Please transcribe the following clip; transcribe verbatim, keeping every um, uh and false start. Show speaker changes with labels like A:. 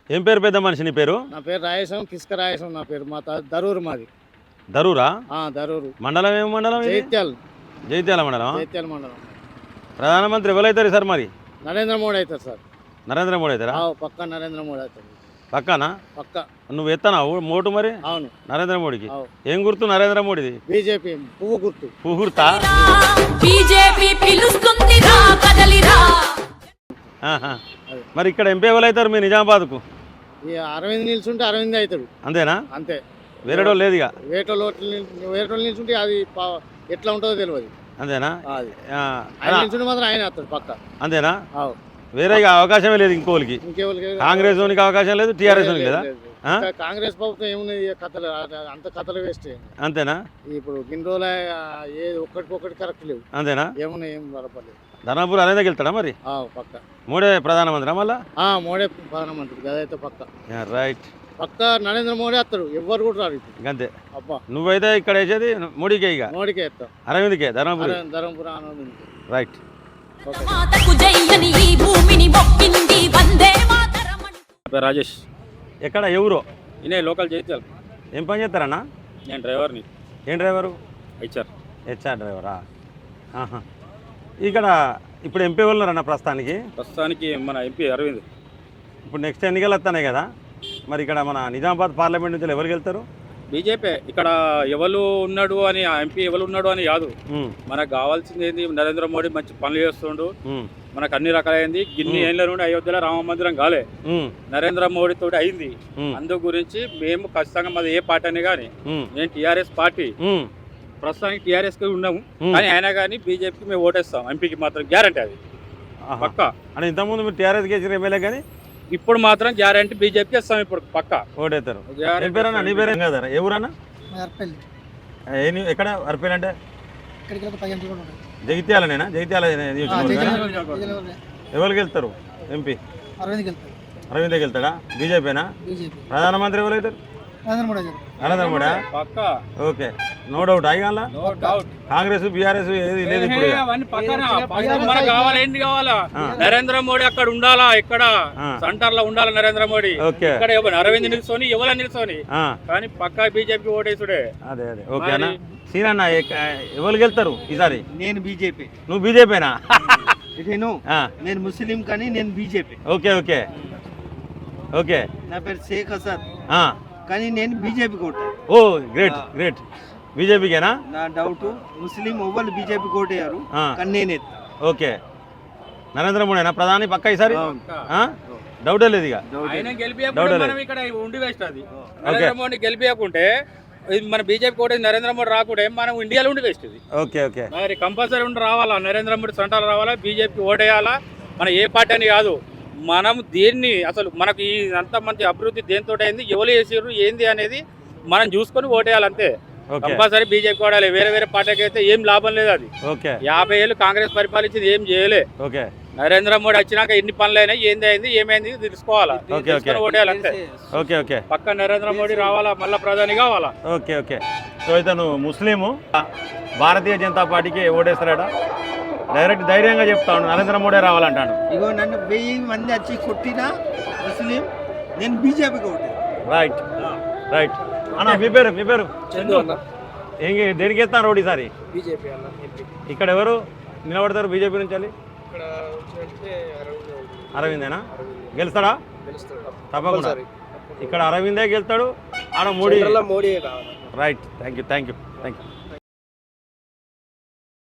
A: ఏం పేరు పెద్ద మనిషి నీ పేరు?
B: నా పేరు రాయేశం, కిస్క రాయేశం నా పేరు. మా త- దరూరు మాది.
A: దరూరా?
B: ఆ, దరూరు.
A: మండలం ఏం మండలం ఇది?
B: జైత్యాల్.
A: జైత్యాల మండలం.
B: జైత్యాల మండలం.
A: ప్రధానమంత్రి ఎవరైతారు సార్ మరి?
B: నరేంద్ర మోడీ అవుతారు సార్.
A: నరేంద్ర మోడీ అవుతారా?
B: ఆ, పక్క నరేంద్ర మోడీ అవుతారు.
A: పక్కనా?
B: పక్క.
A: నువ్వు ఎత్తానా మోటు మరి
B: అవును.
A: నరేంద్ర మోడీకి?
B: అవును.
A: ఏం గుర్తు నరేంద్ర మోడీది?
B: బీజేపీ పువ్వు గుర్తు.
A: పుహుర్తా?
C: బీజేపీ పిలుస్తుందిరా కదలిరా.
B: అది.
A: మరి ఇక్కడ ఎంపీ ఎవరైతారు మీ నిజామాబాద్కు?
B: ఈ అరవింద్ నిల్చుంటే అరవింద్ అవుతాడు
A: అంతేనా?
B: అంతే.
A: వేరేటో లేదు ఇక.
B: వేటోళ్ళు వేటోళ్ళు నిల్చుంటే అది పా- ఎట్లా ఉంటుందో తెలియదు.
A: అంతేనా?
B: అది
A: ఆ,
B: ఆయన నిల్చుంటే మాత్రం ఆయన వస్తాడు పక్క.
A: అంతేనా?
B: అవు.
A: వేరే ఇక అవకాశమే లేదు ఇంకోళ్ళకి.
B: ఇంకెవరికి
A: కాంగ్రెస్ వానికి అవకాశం లేదు, టీఆర్ఎస్ వానికి లేదా? ఆ?
B: ఇంకా కాంగ్రెస్ ప్రభుత్వం ఏమున్నది ఇక కథలు ఆ- అంత కథలు వేస్ట్.
A: అంతేనా?
B: ఇప్పుడు ఇన్ని రోజులు ఏది ఒక్కటికొక్కటి కరెక్ట్ లేవు.
A: అంతేనా?
B: ఏమున్నాయి ఏం బలపడలేదు.
A: ధర్మపురి అరేందకి వెళ్తాడా మరి?
B: ఆ, పక్క.
A: మూడే ప్రధానమంత్రి మళ్ళా?
B: ఆ, మోడీ ప్రధానమంత్రి అదైతే పక్క.
A: రైట్.
B: పక్క నరేంద్ర మోడీ వస్తాడు. ఎవ్వరు కూడా రారు ఇప్పుడు.
A: అంతే.
B: అబ్బా,
A: నువ్వైతే ఇక్కడ వేసేది మోడీకే ఇక.
B: మోడీకే ఎత్తాం.
A: అరవింద్కే ధర్మపురి.
B: ధర్మపురం ఆనందం.
A: రైట్.
C: మాతకు జైయని ఈ భూమిని మొక్కింది వందే మాతరం.
D: రాజేష్.
A: ఎక్కడ ఎవరు?
D: ఇనే లోకల్ జైత్యాల్.
A: ఏం పని చేస్తారన్నా?
D: నేను డ్రైవర్ని.
A: ఏం డ్రైవరు?
D: హెచ్ఆర్.
A: హెచ్ఆర్ డ్రైవరా? ఆహా. ఇక్కడ ఇప్పుడు ఎంపీ ఉన్నారన్న ప్రస్తుతానికి?
D: ప్రస్తుతానికి మన ఎంపీ అరవింద్.
A: ఇప్పుడు నెక్స్ట్ ఎన్నికలు వస్తున్నాయి కదా, మరి ఇక్కడ మన నిజామాబాద్ పార్లమెంట్ నుంచి ఎవరికి వెళ్తారు?
D: బీజేపీ. ఇక్కడ ఎవరు ఉన్నాడు అని ఆ ఎంపీ ఎవరు ఉన్నాడు అని కాదు,
A: ఉమ్,
D: మనకు కావాల్సింది ఏంది, నరేంద్ర మోడీ మంచి పనులు చేస్తుండు.
A: ఉమ్,
D: మనకు అన్ని రకాలైంది. గిన్ని ఏళ్ళ నుండి అయోధ్యలో రామ మందిరం కాలే,
A: ఉమ్,
D: నరేంద్ర మోడీ తోటి అయింది.
A: ఉమ్,
D: అందు గురించి మేము ఖచ్చితంగా మాది ఏ పార్టీ అని కానీ,
A: ఉమ్,
D: నేను టీఆర్ఎస్ పార్టీ.
A: ఉమ్,
D: ప్రస్తుతానికి టీఆర్ఎస్ కి ఉన్నాము,
A: ఉమ్.
D: కానీ అయినా కానీ బీజేపీకి మేము ఓటేస్తాం. ఎంపీకి మాత్రం గ్యారంటీ అది
A: ఆహా.
D: పక్క.
A: అంటే ఇంతకుముందు మీరు టీఆర్ఎస్ గెలిచిన ఎమ్మెల్యే కానీ
D: ఇప్పుడు మాత్రం గ్యారంటీ బీజేపీకి ఇస్తాం ఇప్పుడు పక్క.
A: ఓటేస్తారు. ఏం పేరన్నా? నీ పేరు కదా? ఏ ఊరన్నా?
E: అర్పల్లి.
A: ఏ నీ- ఎక్కడ అర్పేలు అంటే?
E: ఇక్కడికి వెళ్ళి పది గంటలు కూడా ఉంటాయి.
A: జగిత్యాలనేనా? జగిత్యాల నియోజకవర్గమేనా?
E: జగిత్యాల
A: ఎవరికి వెళ్తారు ఎంపీ?
E: అరవింద్కి వెళ్తారు.
A: అరవింద్కి వెళ్తాడా? బీజేపీనా?
E: బీజేపీ.
A: ప్రధానమంత్రి ఎవరైతారు?
E: నరేంద్ర మోడీ గారు.
A: నరేంద్ర మోడీ.
D: పక్క.
A: Okay, no doubt. అయ్యాల
D: నో డౌట్.
A: కాంగ్రెస్ బీఆర్ఎస్ ఏది లేదు ఇప్పుడు ఇక.
D: అవన్నీ పక్కన. ఫస్ట్ మనకు కావాలి ఏంటి కావాలా? నరేంద్ర మోడీ అక్కడ ఉండాలా, ఇక్కడ
A: ఆ.
D: సెంటర్ లో ఉండాలా నరేంద్ర మోడీ.
A: ఓకే.
D: ఇక్కడ ఎవరు అరవింద్ నిల్చొని ఎవరు నిల్చొని,
A: ఆ,
D: కానీ పక్క బీజేపీ ఓటేసుడే.
A: అదే అదే. ఓకే అన్న. సీనన్న ఎవరికి వెళ్తారు ఈసారి?
B: నేను బీజేపీ.
A: నువ్వు బీజేపీనా?
B: నేను
A: ఆ,
B: నేను ముస్లిం కానీ నేను బీజేపీ.
A: Okay okay okay.
B: నా పేరు షేక్ హసన్
A: ఆ,
B: కానీ నేను బీజేపీ కొట్టాను.
A: Oh great great. బీజేపీకేనా?
B: నా డౌట్ ముస్లిం ఎవ్వరు బీజేపీ కొట్టారు
A: ఆ,
B: కానీ నేను ఎత్తా.
A: ఓకే. నరేంద్ర మోడీనా ప్రధాని పక్క ఈసారి?
B: అవును.
A: ఆ? డౌటే లేదు ఇక.
D: ఆయన
A: డౌట్
D: గెలిపియకుంటే
A: లేదు.
D: మనం ఇక్కడ ఉండి వేస్ట్ అది. నరేంద్ర మోడీ గెలిపియకుంటే ఇది మన బీజేపీ ఓటేసి నరేంద్ర మోడీ రాకుంటే మనం ఇండియాలో ఉండి వేస్ట్ ఇది.
A: Okay okay.
D: మరి కంపల్సరీ ఉండి రావాలా, నరేంద్ర మోడీ సెంటర్ రావాలా, బీజేపీ ఓటేయాలా. మన ఏ పార్టీ అని కాదు, మనం దేన్ని అసలు మనకు ఈ అంత మంచి అభివృద్ధి దేనితో అయింది, ఎవరు చేసారు ఏంది అనేది మనం చూసుకొని ఓటేయాలంతే.
A: ఓకే
D: కంపల్సరీ బీజేపీ ఓడాలి. వేరే వేరే పార్టీకి అయితే ఏం లాభం లేదు అది.
A: ఓకే
D: యాభై ఏళ్ళు కాంగ్రెస్ పరిపాలించింది ఏం చేయలే.
A: ఓకే
D: నరేంద్ర మోడీ వచ్చినాక ఎన్ని పనులు అయినాయి, ఏంది అయింది ఏమైంది తెలుసుకోవాలా,
A: ఓకే,
D: తెలుసుకొని ఓటేయాలి అంతే.
A: ఓకే ఓకే
D: పక్క నరేంద్ర మోడీ రావాలా, మళ్ళా ప్రధాని కావాలా.
A: Okay okay. సో ఇతను ముస్లిము, భారతీయ జనతా పార్టీకి ఓటేస్తాడట. డైరెక్ట్ ధైర్యంగా చెప్తాను, నరేంద్ర మోడీ రావాలంటాడు.
B: ఇగో నన్ను వెయ్యి మంది వచ్చి కొట్టినా ముస్లిం నేను బీజేపీ కొట్టాను.
A: Right right. అన్న మీ పేరు? మీ పేరు ఏం దేనికి వేస్తాను రోడ్ ఈసారి?
E: బీజేపీ అన్న.
A: ఇక్కడ ఎవరు నిలబడతారు బీజేపీ నుంచి?
E: ఇక్కడ వచ్చినట్టే
A: అరవిందేనా? గెలుస్తాడా? తప్పకుండా. ఇక్కడ అరవిందే గెలుస్తాడు, ఆడ మోడీ.
E: మోడీ కావాలి.
A: Right. Thank you thank you thank you.